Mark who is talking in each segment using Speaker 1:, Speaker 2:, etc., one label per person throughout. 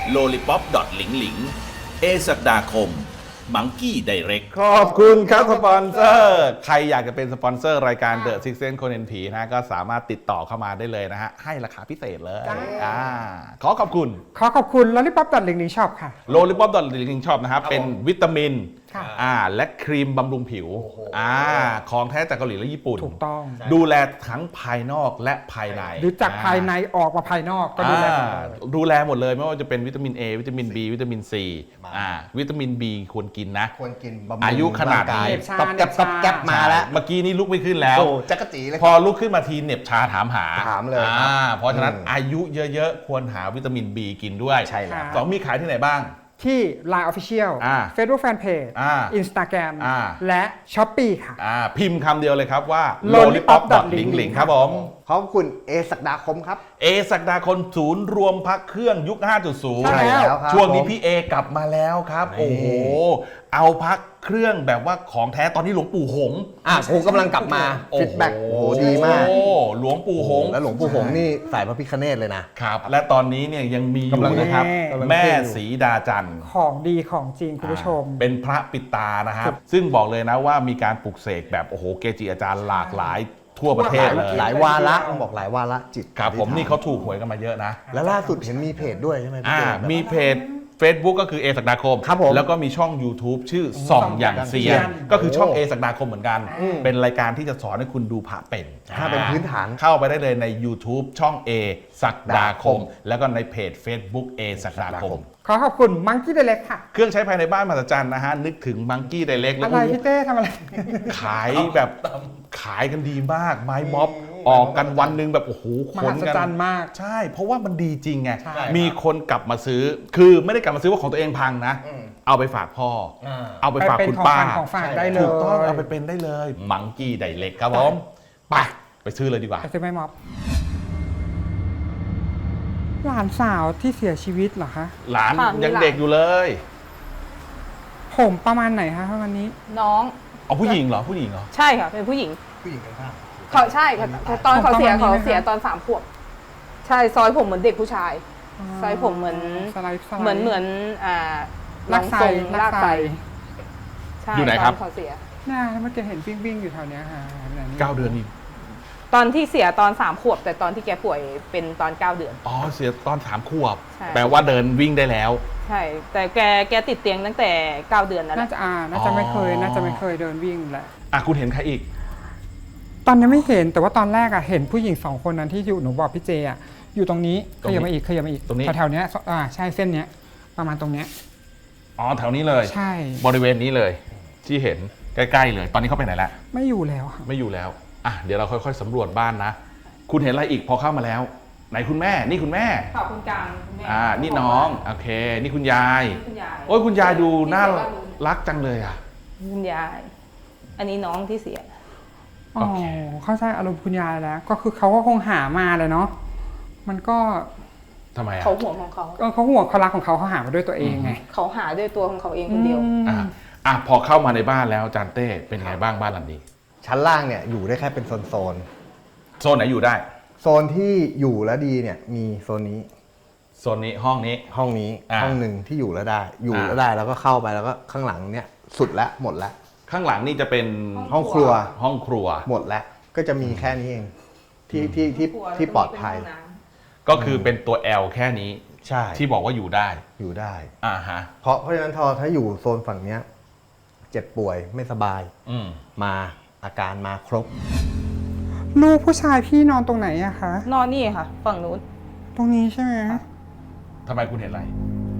Speaker 1: lollipop หลิงหลิงเอศักดาคมมังกี้ไดเรก
Speaker 2: ขอบคุณครับสปอนเซอร์ใครอยากจะเป็นสปอนเซอร์รายการ The Six Sense คนเห็นผีนะก็สามารถติดต่อเข้ามาได้เลยนะฮะให้ราคาพิเศษเลยขอขอบคุณ
Speaker 3: ขอบคุณ Lollipop ลิงลิงชอบค่ะ
Speaker 2: Lollipop ลิงลิงชอบนะครับเป็นวิตามิน
Speaker 3: ค่ะ
Speaker 2: และครีมบำรุงผิวของแท้จากเกาหลีและญี่ปุ่น
Speaker 3: ถูกต้อง
Speaker 2: ดูแลทั้งภายนอกและภายใน
Speaker 3: หรือจากภายในออกมาภายนอกก็ดูแลหมดเลย
Speaker 2: ดูแลหมดเลยไม่ว่าจะเป็นวิตามิน A วิตามิน B วิตามิน C วิตามิน B ควรกินนะ
Speaker 4: ควรกินบำรุง
Speaker 2: อายุขนาดนี้
Speaker 4: ร่งกายต๊อบแก๊บมาแล้ว
Speaker 2: เมื่อกี้นี้ลุกไม่ขึ้นแล้ว
Speaker 4: โอ้จักรจีเลย
Speaker 2: พอลุกขึ้นมาทีเหน็บชาถามหา
Speaker 4: ถามเลยครับ
Speaker 2: เพราะฉะนั้นอายุเยอะๆ ควรหาวิตามิน B กินด้วย
Speaker 4: ใช่แล้ว
Speaker 2: สองมีขายที่ไหนบ้าง
Speaker 3: ที่ Line Official Facebook Fanpage Instagram และ Shopee ค่ะ
Speaker 2: พิมพ์คำเดียวเลยครับว่า
Speaker 3: lollipop
Speaker 2: หลิงหลิงครับผม
Speaker 4: ขอบคุณเอศักดาคมครับ
Speaker 2: เอศักดาคนศูนย์รวมพักเครื่องยุค 5.0
Speaker 3: ใช่แล้ว
Speaker 4: ครับ
Speaker 2: ช่วงนี้
Speaker 4: ผม
Speaker 2: พี่เอกลับมาแล้วครับ โอ้โห เอาพักเครื่องแบบว่าของแท้ตอนนี้หลวงปู่หงส์
Speaker 4: ผมกำลังกลับมาฟีดแบ็กโอ้โหดีมาก
Speaker 2: โอ้หลวงปู่หงส์
Speaker 4: แล้วหลวงปู่หงส์นี่สายพระพิฆเนศเลยนะ
Speaker 2: ครับ และตอนนี้เนี่ยยังมีอยู่นะครับ
Speaker 4: กำลัง
Speaker 2: แม่
Speaker 4: เท่อยู่
Speaker 2: ศรีดาจันทร์
Speaker 3: ของดีของจริงคุณผู้ชม
Speaker 2: เป็นพระปิดตานะครับ ซึ่งบอกเลยนะว่ามีการปลุกเสกแบบโอ้โหเกจิอาจารย์หลากหลายทั่วประเทศเลย
Speaker 4: หลายวาระต้องบอกหลายวาระจิต
Speaker 2: ครับผมนี่เขาถูกหวยกันมาเยอะนะ
Speaker 4: แล้วล่าสุดเห็นมีเพจด้วยใช่ไหมพี่เจแบบ
Speaker 2: มีเพจ Facebook ก็คือเอศักดาคม
Speaker 4: ครับผม
Speaker 2: แล้วก็มีช่อง YouTube ชื่อส่องอย่างเซียน ก็คือช่อง
Speaker 4: โอ้
Speaker 2: เอศักดาคมเหมือนกัน เป็นรายการที่จะสอนให้คุณดูพระเป็น
Speaker 4: ถ้าเป็นพื้นฐาน
Speaker 2: เข้าไปได้เลยใน YouTube ช่อง A ศักดาคม แล้วก็ในเพจ Facebook A ศักดาคม
Speaker 3: ขอบคุณ Monkey Direct ค่ะ
Speaker 2: เครื่องใช้ภายในบ้านมหัศจรรย์นะฮะ นึกถึงมังกี้ไดเล็กแล้
Speaker 3: อะ
Speaker 2: ว
Speaker 3: ไรพี่เต้ทำอะไร
Speaker 2: ขายแบบขายกันดีมากไม้ม็อบออกกันวันหนึ่งแบบโอ้โหข
Speaker 3: ม
Speaker 2: น
Speaker 3: หัศ
Speaker 2: กัน
Speaker 3: จรรย์มาก
Speaker 2: ใช่ เพราะว่ามันดีจริงไง
Speaker 3: ใช่
Speaker 2: มีคนกลับมาซื้อ คือไม่ได้กลับมาซื้อว่าของตัวเองพังนะ เอาไปฝากพ่ออเอาไปฝาก
Speaker 3: เป็น
Speaker 2: คุณ
Speaker 3: ของ
Speaker 2: ป้า
Speaker 3: ฝากของฝากได้เลย
Speaker 2: ถูกต้องเอาไปเป็นได้เลย มังกี้ไดเล็กครับผมไปซื้อเลยดีกว่า
Speaker 3: ไปซื้อไม่ม็อบหลานสาวที่เสียชีวิตเหรอคะ
Speaker 2: หลาน
Speaker 5: ค่ะมี
Speaker 2: ยัง
Speaker 5: หลาน
Speaker 2: เด็กอยู่เลย
Speaker 3: ผมประมาณไหนคะวันนี้
Speaker 5: น้อง
Speaker 2: เอาผู้หญิงเหรอผู้หญิงเหรอ
Speaker 5: ใช่ค่ะ เป็นผู้หญิง
Speaker 4: ผู้หญิงกันข้าง
Speaker 5: เขาใช่ค่ะตอนเขาเสีย
Speaker 3: ประมาณนี้
Speaker 5: เขา
Speaker 3: ไหมคะ
Speaker 5: เสียตอน3 ขวบ ใช่ซอยผมเหมือนเด็กผู้ชาย ซอยผมเหมือน
Speaker 3: สไลด์
Speaker 5: เหมือน
Speaker 3: ลักไซ
Speaker 5: ทรง
Speaker 3: ลั
Speaker 5: ลาก ก
Speaker 3: ไซ
Speaker 5: ไซใช่
Speaker 2: อยู่ไหนครับ
Speaker 5: ตเขาเสีย
Speaker 3: น่าเมื่อกี้เห็นวิ่งอยู่แถวเนี้ยค่ะแบบนี้
Speaker 2: 9 เดือนนี่
Speaker 5: ตอนที่เสียตอน3 ขวบ แต่ตอนที่แกป่วยเป็นตอน9 เดือน
Speaker 2: อ๋อเสียตอน3 ขวบ
Speaker 5: ใช่
Speaker 2: แปลว่าเดินวิ่งได้แล้ว
Speaker 5: ใช่ แต่แกติดเตียงตั้งแต่9 เดือนนั่นแห
Speaker 3: น่า
Speaker 5: ละ
Speaker 3: จะน่าจะไม่เคยเดินวิ่งแหละ
Speaker 2: คุณเห็นใครอีก
Speaker 3: ตอนนี้ไม่เห็นแต่ว่าตอนแรกเห็นผู้หญิง2 คนนั้นที่อยู่หนูบอกพี่เจอยู่ตรงนี้
Speaker 2: ตร
Speaker 3: ข
Speaker 2: งนี้
Speaker 3: ยับมาอีก
Speaker 2: ตรงนี้
Speaker 3: แถวๆเนี้ยใช่เส้นเนี้ยประมาณตรงเนี้ย
Speaker 2: อ๋อแถวนี้เลย
Speaker 3: ใช่
Speaker 2: บริเวณนี้เลยที่เห็นใกล้ๆเลย ตอนนี้เขาไปไหนแล้ว
Speaker 3: ไม่อยู่แล้วค่ะ
Speaker 2: ไม่อยู่แล้วเดี๋ยวเราค่อยๆสำรวจบ้านนะ คุณเห็นอะไรอีกพอเข้ามาแล้ว ไหนคุณแม่นี่คุณแม่
Speaker 5: ขอบคุณกลางคุณแม่
Speaker 2: นี่น้องโอเค นี่คุณยาย
Speaker 5: คุณยาย
Speaker 2: โอ้ยคุณยายดูน่ารักจังเลยอ่ะ
Speaker 5: คุณยาย อันนี้น้องที่เสีย
Speaker 3: อ๋อเข้าใจอารมณ์คุณยายแล้ว ก็คือเขาก็คงหามาเลยเนาะมันก็
Speaker 2: ทำไมอ่ะ
Speaker 5: เขาห่วงของเขา
Speaker 3: เขาห่วงเขารักของเขาหามาด้วยตัวเองไง
Speaker 5: เขาหาด้วยตัวของเขาเองคนเดียว
Speaker 2: พอเข้ามาในบ้านแล้วอาจารย์เต้เป็นไงบ้างบ้านหลังนี้
Speaker 4: ชั้นล่างเนี่ยอยู่ได้แค่เป็นโซน
Speaker 2: โซนไหนอยู่ได้
Speaker 4: โซนที่อยู่แล้วดีเนี่ยมีโซนนี้
Speaker 2: โซนนี้ห้องนี้
Speaker 4: ห้องนี้ ห้องหนึ่งที่อยู่แล้วได้ อยู่แล้วได้แล้วก็เข้าไปแล้วก็ข้างหลังเนี่ยสุดแล้วหมดแล้ว
Speaker 2: ข้างหลังนี่จะเป็น
Speaker 4: ห้องครัว
Speaker 2: ห้องครัว
Speaker 4: หมดแล้วก็จะมีแค่นี้เองที่ปลอดภัย
Speaker 2: ก็คือเป็นตัว L แค่นี้
Speaker 4: ใช่
Speaker 2: ที่บอกว่าอยู่ได้
Speaker 4: อยู่ได้
Speaker 2: ฮะ
Speaker 4: เพราะฉะนั้นถ้าอยู่โซนฝั่งเนี้ยเจ็บป่วยไม่สบาย มาอาการมาครบ
Speaker 3: ลูกผู้ชายพี่นอนตรงไหนอะคะ
Speaker 5: นอนนี่ค่ะ ฝั่งนู้น
Speaker 3: ตรงนี้ใช่ไหม
Speaker 2: ทำไมคุณเห็นอะไร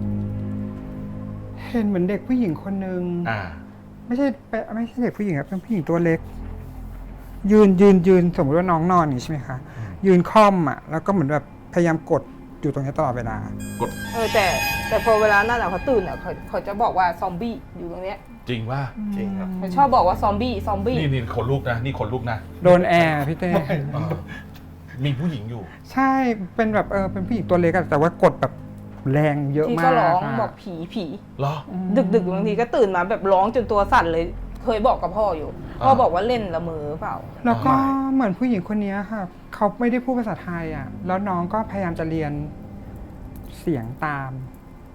Speaker 3: เห็นเหมือนเด็กผู้หญิงคนนึง ไม่ใช่เด็กผู้หญิงครับเป็นผู้หญิงตัวเล็ก ยืนสมมติว่าน้องนอนนี่ใช่ไหมคะยืนค่อมแล้วก็เหมือนแบบพยายามกดอยู่ตรงนี้ตลอดเวลา
Speaker 5: แต่พอเวลานั่นเขาตื่นเขาจะบอกว่าซอมบี้อยู่ตรงเนี้ย
Speaker 2: จริงว่า
Speaker 4: จริงครับ
Speaker 5: เขาชอบบอกว่าซอมบี้
Speaker 2: นี่ขนลุกนะนี่ขนลุกนะ
Speaker 3: โดนแอร์พี่เต้
Speaker 2: มีผู้หญิงอยู่
Speaker 3: ใช่เป็นแบบเป็นผู้หญิงตัวเล็กแต่ว่ากดแบบแรงเยอะ
Speaker 5: ที่
Speaker 3: มาก
Speaker 5: ก็ร้อง
Speaker 3: ะ
Speaker 5: บอกผี
Speaker 2: เหรอ
Speaker 5: ดึกบางทีก็ตื่นมาแบบร้องจนตัวสั่นเลย เคยบอกกับพ่ออยู่ พ่อบอกว่าเล่นละเมอเปล่า
Speaker 3: แล้วก็เหมือนผู้หญิงคนนี้ค่ะเขาไม่ได้พูดภาษาไทยแล้วน้องก็พยายามจะเรียนเสียงตาม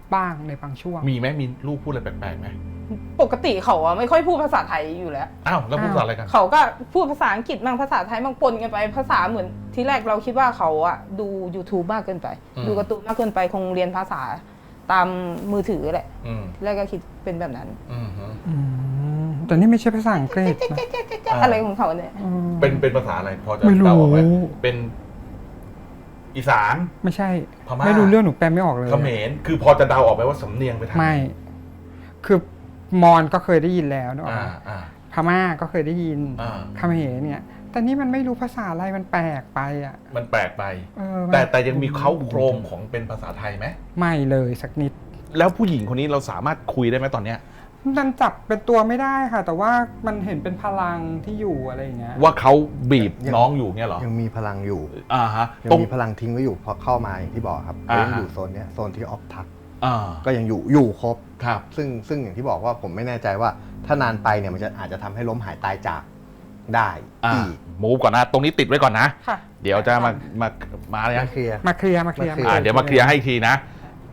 Speaker 3: บ้างในบางช่วง
Speaker 2: มีไหมมีลูกพูดอะไรแปลกๆไหม
Speaker 5: ปกติเขาอะไม่ค่อยพูดภาษาไทยอยู่แล้ว
Speaker 2: อ้าวแล้วพูดภาษาอะไรกัน
Speaker 5: เขาก็พูดภาษาอังกฤษบ้างภาษาไทยบ้างปนกันไปภาษาเหมือนที่แรกเราคิดว่าเขาอะดู YouTube มากเกินไป ดูการ์ตูนมากเกินไปคงเรียนภาษาตามมือถือแหละแรกก็คิดเป็นแบบนั้น
Speaker 3: แต่นี่ไม่ใช่ภาษาอังกฤษนะ
Speaker 5: อะไรของเขาเนี่ย
Speaker 2: เป็นภาษาอะไรพอจะ
Speaker 3: ไม่รู้
Speaker 2: เดาออกไหมเป็นอีสาน
Speaker 3: ไม่ใช่
Speaker 2: พม่า
Speaker 3: ไม่รู้เรื่องหนูแปลไม่ออกเลย
Speaker 2: เขมรคือพอจะเดาออกไหมว่าสำเนียงไปทาง
Speaker 3: ไม่ คือมอญก็เคยได้ยินแล้วเนอะ
Speaker 2: อ่า
Speaker 3: พม่าก็เคยได้ยิน
Speaker 2: อ่า
Speaker 3: เขมรเนี่ย แต่นี่มันไม่รู้ภาษาอะไรมันแปลกไปอ่ะ
Speaker 2: มันแปลกไป
Speaker 3: มัน
Speaker 2: แต่ยังมีเขาโครงของเป็นภาษาไทยไหม
Speaker 3: ไม่เลยสักนิด
Speaker 2: แล้วผู้หญิงคนนี้เราสามารถคุยได้ไหมตอนเนี้ย
Speaker 3: มันจับเป็นตัวไม่ได้ค่ะ แต่ว่ามันเห็นเป็นพลังที่อยู่อะไรอย่างเงี้ย
Speaker 2: ว่าเขาบีบน้องอยู่เงี้ยเหรอ
Speaker 4: ยังมีพลังอยู่
Speaker 2: ฮะ
Speaker 4: ยัง
Speaker 2: ตรง
Speaker 4: มีพลังทิ้งไว้อยู่พอเข้ามาอย่างที่บอกครับ
Speaker 2: อ่าฮะ
Speaker 4: ยังอยู่โซนเนี้ยโซนที่ออฟทัก
Speaker 2: อ่า
Speaker 4: ก็ยังอยู่ครบ
Speaker 2: ครับ
Speaker 4: ซึ่งอย่างที่บอกว่าผมไม่แน่ใจว่าถ้านานไปเนี่ยมันจะอาจจะทำให้ล้มหายตายจากได้อีก
Speaker 2: มูฟก่อนนะ ตรงนี้ติดไว้ก่อนนะ
Speaker 5: ค่ะ
Speaker 2: เดี๋ยวจะมาเลย
Speaker 4: ไม่
Speaker 2: นะ
Speaker 4: เคลียร์
Speaker 3: มาเคลียร์
Speaker 4: มาเคลียร์
Speaker 2: เดี๋ยวมาเคลียร์ให้อีกทีนะไป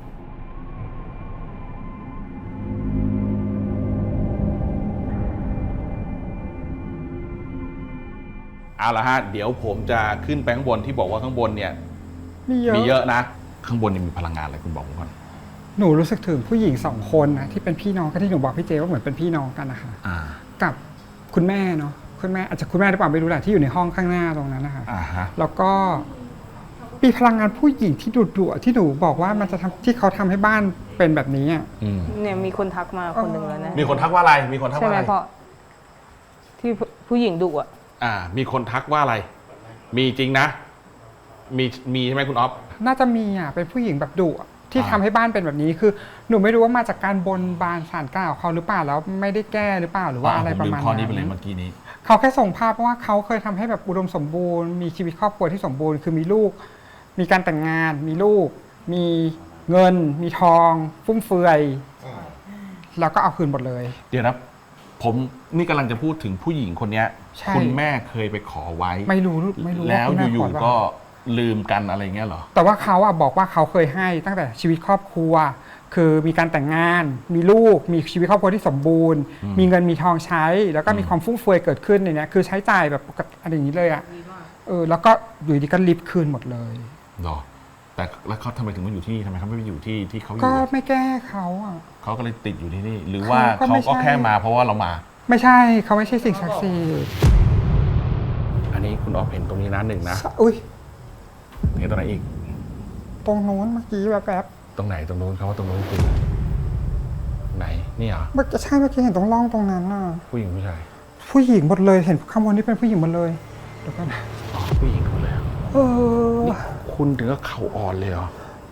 Speaker 2: เอาละฮะ เดี๋ยวผมจะขึ้นไปข้างบนที่บอกว่าข้างบนเนี่ย มีเยอะนะ ข้างบนนี่มีพลังงานอะไรคุณบอกผมก่อน
Speaker 3: หนูรู้สึกถึงผู้หญิง2 คนนะที่เป็นพี่น้องก็ที่หนูบอกพี่เจว่าเหมือนเป็นพี่น้องกันนะคะ กับคุณแม่เนาะคุณแม่อาจจะคุณแม่หรือเปล่าไม่รู้แหละที่อยู่ในห้องข้างหน้าตรงนั้นนะคะ
Speaker 2: ฮะ
Speaker 3: แล้วก็มีพลังงานผู้หญิงที่ดุๆที่หนูบอกว่ามันจะทำที่เขาทำให้บ้านเป็นแบบนี้อ่ะ
Speaker 5: เนี่ยมีคนทักมาคนหนึ่งแล้วนะ
Speaker 2: มีคนทักว่าอะไร มีคนทัก
Speaker 5: ใช่
Speaker 2: ว่า
Speaker 5: ไหม
Speaker 2: อะไร
Speaker 5: เพราะที่ผู้หญิงดุอะ
Speaker 2: มีคนทักว่าอะไร มีจริงนะ มีใช่ไหมคุณอ๊อฟ
Speaker 3: น่าจะมีอ่ะเป็นผู้หญิงแบบดุอะที่ทำให้บ้านเป็นแบบนี้คือหนูไม่รู้ว่ามาจากการบนบานศาลกล่าวเขาหรือเปล่าแล้วไม่ได้แก้หรือเปล่าหรือว่าอะไรประมาณ
Speaker 2: ข้อนี้ไปเลย
Speaker 3: นั้น
Speaker 2: เมื่อกี้นี้
Speaker 3: เขาแค่ส่งภาพว่าเขาเคยทำให้แบบอุดมสมบูรณ์มีชีวิตครอบครัวที่สมบูรณ์คือมีลูก มีการแต่งงาน มีลูก มีเงิน มีทอง ฟุ่มเฟือยแล้วก็เอาคืนหมดเลย
Speaker 2: เดี๋ยวนะ ผมนี่กำลังจะพูดถึงผู้หญิงคนเนี้ย
Speaker 3: ใช่
Speaker 2: คุณแม่เคยไปขอไว้
Speaker 3: ไม่รู้
Speaker 2: แล้ว
Speaker 3: าคุณม่
Speaker 2: อยู่
Speaker 3: ข
Speaker 2: ๆก็ลืมกันอะไรเงี้ยเหรอ
Speaker 3: แต่ว่าเขาอะบอกว่าเขาเคยให้ตั้งแต่ชีวิตครอบครัว คือมีการแต่งงาน มีลูก มีชีวิตครอบครัวที่สมบูรณ์ มีเงินมีทองใช้ แล้วก็มีความฟุ่มเฟือยเกิดขึ้นในเนี้ยคือใช้จ่ายแบบปกติอะไรอย่างนี้เลยอะแล้วก็อยู่ดีก็ลิฟต์คืนหมดเลย
Speaker 2: หรอ แต่แล้วเขาทำไมถึงมาอยู่ที่นี่ทำไมเขาไม่ไปอยู่ที่เขาอยู่
Speaker 3: ก็ไม่แก้เขาอะ
Speaker 2: เขาก็เลยติดอยู่ที่นี่ หรือว่า
Speaker 3: เขาก็
Speaker 2: เขา
Speaker 3: ไม่
Speaker 2: ก็
Speaker 3: ใช่
Speaker 2: แค่มาเพราะว่าเรามา
Speaker 3: ไม่ใช่เขาไม่ใช่สิ่งศักดิ์สิทธิ์
Speaker 2: อันนี้คุณอ๊อฟเห็นตรงนี้นะหนึ่งนะ
Speaker 3: อุ้ย
Speaker 2: เห็นตรงไหนอีก
Speaker 3: ตรงโน้นเมื่อกี้แบบ
Speaker 2: ตรงไหนตรงนู้นเขาว่าตรงนู้นคือไหนนี่เหรอ
Speaker 3: เมื่อกี้ใช่เมื่อกี้เห็นตรงร่องตรงนั้นน่ะ
Speaker 2: ผู้หญิงผู้ชาย
Speaker 3: ผู้หญิงหมดเลยเห็นข้างบนนี่เป็นผู้หญิงหมดเลยเดี๋ยวก่อน
Speaker 2: อ๋อผู้หญิงคนเลยเหรอ
Speaker 3: เออ
Speaker 2: นี่คุณถึงก็เข่าอ่อนเลยเหรอ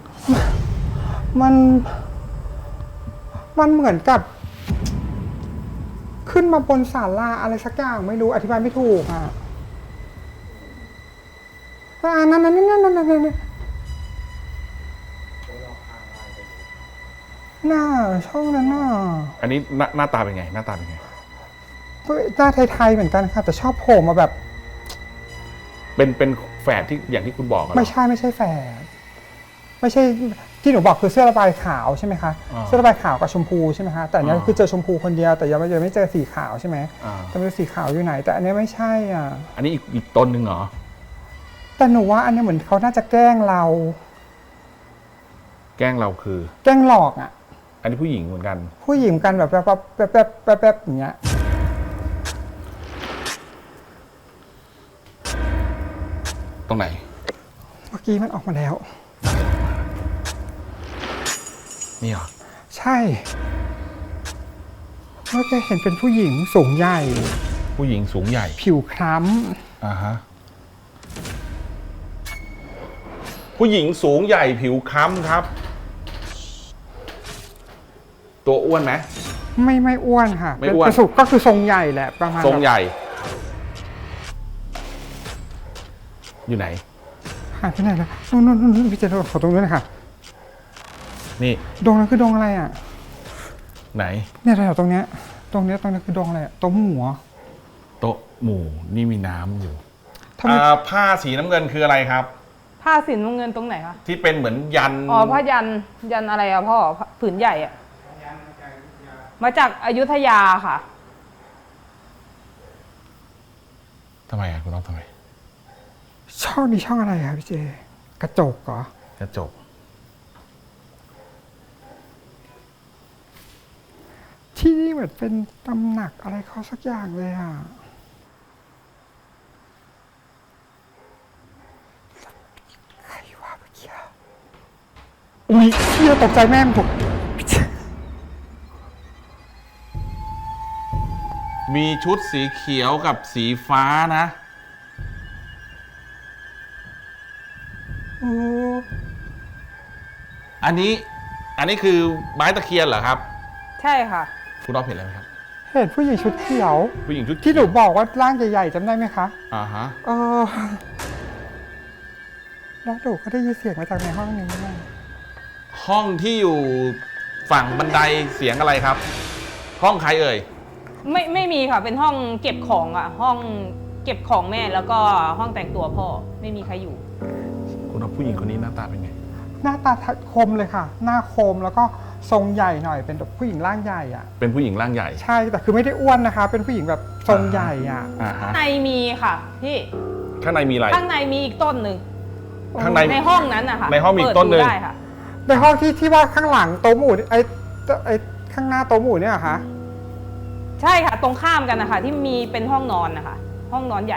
Speaker 3: มันเหมือนกับ ขึ้นมาบนศาลาอะไรสักอย่างไม่รู้อธิบายไม่ถูกอ่ะนั่นน่าช่องนั้นน่ะ
Speaker 2: อันนี้หน้าตาเป็นไง หน้าตาเป็นไง
Speaker 3: หน้าไทยๆเหมือนกันค่ะแต่ชอบโผล่มาแบบ
Speaker 2: เป็นแฝดที่อย่างที่คุณบอกอะเหรอ
Speaker 3: ไม่ใช่แฝดไม่ใช่ที่หนูบอกคือเสื้อระบายขาวใช่ไหมคะ
Speaker 2: อ่า
Speaker 3: เสื้อระบายขาวกับชมพูใช่ไหมคะแต่อันเนี้ย
Speaker 2: อ่า
Speaker 3: คือเจอชมพูคนเดียวแต่ยังไม่เจอสีขาวใช่ไหม
Speaker 2: อ่า
Speaker 3: แต่ไม่รู้สีขาวอยู่ไหน แต่อันเนี้ยไม่ใช่อ่ะ
Speaker 2: อันนี้อีกต้นหนึ่งเหรอ
Speaker 3: แต่หนูว่าอันเนี้ยเหมือนเขาน่าจะแกล้งเรา
Speaker 2: แกล้งเราคือ
Speaker 3: แกล้งหลอกอ่ะ
Speaker 2: อันนี้ผู้หญิงเหมือนกัน
Speaker 3: ผู้หญิงกันแบบอย่างเงี้ย
Speaker 2: ตรงไหน
Speaker 3: เมื่อกี้มันออกมาแล้ว
Speaker 2: นี่เหรอ
Speaker 3: ใช่เมื่อกี้เห็นเป็นผู้หญิงสูงใหญ่
Speaker 2: ผู้หญิงสูงใหญ่
Speaker 3: ผิวคล้
Speaker 2: ฮะ ผู้หญิงสูงใหญ่ผิวค้ำครับ ตัวอ้วนไหม
Speaker 3: ำไม่อ้วนค่ะ
Speaker 2: ไม่อ้วน
Speaker 3: เป็นสุดก็คือทรงใหญ่แหละประมาณ
Speaker 2: ทรงให
Speaker 3: แบบ
Speaker 2: ญ่ อยู่ไหน
Speaker 3: หายไปไหนแล้วนู่นพี่เจนขอตรงนู้นนะคะ
Speaker 2: นี่
Speaker 3: ดงนั้นคือดงอะไรอ่ะ
Speaker 2: ไหน
Speaker 3: เนี่ยแถวตรงเนี้ยคือดงอะไรอ่ะตรงหัว
Speaker 2: โต๊ะหมู่นี่มีน้ำอยู่
Speaker 3: ทำไม
Speaker 2: ผ้าสีน้ำเงินคืออะไรครับ
Speaker 5: ผ้าสีน้ำเงินตรงไหนคะ
Speaker 2: ที่เป็นเหมือนยัน
Speaker 5: อ๋อผ้ายันอะไรอะพ่อผืนใหญ่อะมาจากอยุธยาค่ะ
Speaker 2: ทำไมอ่ะคุณน้องทำไม
Speaker 3: ช่องนี้ช่องอะไรครับพี่เจ กระจกเหรอ
Speaker 2: กระจก
Speaker 3: ที่นี่เหมือนเป็นตำหนักอะไรเขาสักอย่างเลยอ่ะใครว่าเมื่อกี้อุ้ยเชี่ยตกใจแม่มถูก
Speaker 2: มีชุดสีเขียวกับสีฟ้านะ
Speaker 3: โอ้
Speaker 2: อันนี้คือไม้ตะเคียนเหรอครับ
Speaker 5: ใช่ค่ะ
Speaker 2: คุณน้องเห็นอะไรไหมครับ
Speaker 3: เห็นผู้หญิงชุดเขียว
Speaker 2: ผู้หญิงชุด
Speaker 3: ที่หนูบอกว่าร่างใหญ่ๆจำได้ไหมคะ
Speaker 2: อ่าฮะ
Speaker 3: เออแล้วหนูก็ได้ยินเสียงมาจากในห้องนี้ด้วย
Speaker 2: ห้องที่อยู่ฝั่งบันไดเสียงอะไรครับ ห้องใครเอ่ย
Speaker 5: ไม่มีค่ะ เป็นห้องเก็บของอะห้องเก็บของแม่แล้วก็ห้องแต่งตัวพ่อไม่มีใครอยู่
Speaker 2: คุณน้องผู้หญิงคนนี้หน้าตาเป็นไง
Speaker 3: หน้าตาคมเลยค่ะ หน้าคมแล้วก็ทรงใหญ่หน่อยเป็นแบบผู้หญิงร่างใหญ่อ่ะ
Speaker 2: เป็นผู้หญิงร่างใหญ่
Speaker 3: ใช่แต่คือไม่ได้อ้วนนะคะ เป็นผู้หญิงแบบทรงใหญ่อ่ะ
Speaker 2: อ่าฮะ
Speaker 5: ในมีค่ะพี่
Speaker 2: ข้างในมีอะไร
Speaker 5: ข้างในมีอีกต้นหนึ่ง
Speaker 2: ข้างใน
Speaker 5: ในห้องนั้นนะคะ
Speaker 2: ในห้องมีอีกต้นหนึ่ง
Speaker 5: เปิดดูได้ค่ะ
Speaker 3: ในห้องที่ว่าข้างหลังโต๊ะหมู่ไอ้ข้างหน้าโต๊ะหมู่เนี่ยเหรอคะ
Speaker 5: ใช่ค่ะตรงข้ามกันนะคะที่มีเป็นห้องนอนนะคะห้องนอนใหญ่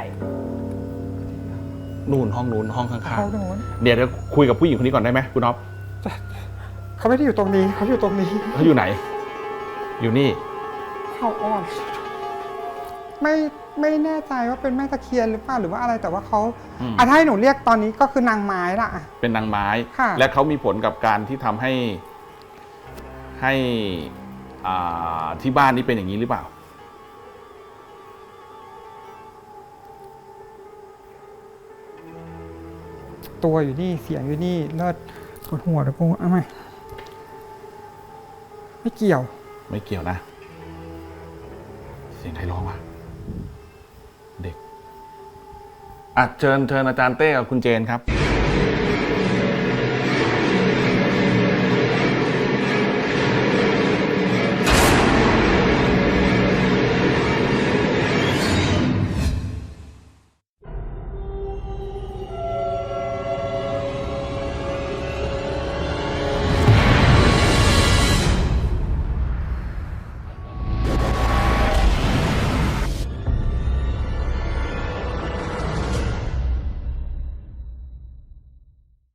Speaker 2: นู่นห้องนู้นห้องข้าง
Speaker 3: เขาโน้น
Speaker 2: ๆเดี๋ยวคุยกับผู้หญิงคนนี้ก่อนได้ไหมคุณน้อง
Speaker 3: เขาไม่ได้อยู่ตรงนี้เขาอยู่ตรงนี้
Speaker 2: เขาอยู่ไหน อยู่นี่
Speaker 3: เขาอ่อนไม่แน่ใจว่าเป็นแม่ตะเคียนหรือเปล่าหรือว่าอะไรแต่ว่าเขา
Speaker 2: อืม
Speaker 3: ถ้าให้หนูเรียกตอนนี้ก็คือนางไม้ละอะ
Speaker 2: เป็นนางไม้
Speaker 3: ค่ะ
Speaker 2: และเขามีผลกับการที่ทำให้ที่บ้านนี้เป็นอย่างนี้หรือเปล่า
Speaker 3: ตัวอยู่นี่เสียงอยู่นี่เลิศปวดหัวเลยกูเอาไหมไม่เกี่ยว
Speaker 2: ไม่เกี่ยวนะ เสียงใครร้องวะเด็กเชิญอาจารย์เต้กับคุณเจนครับ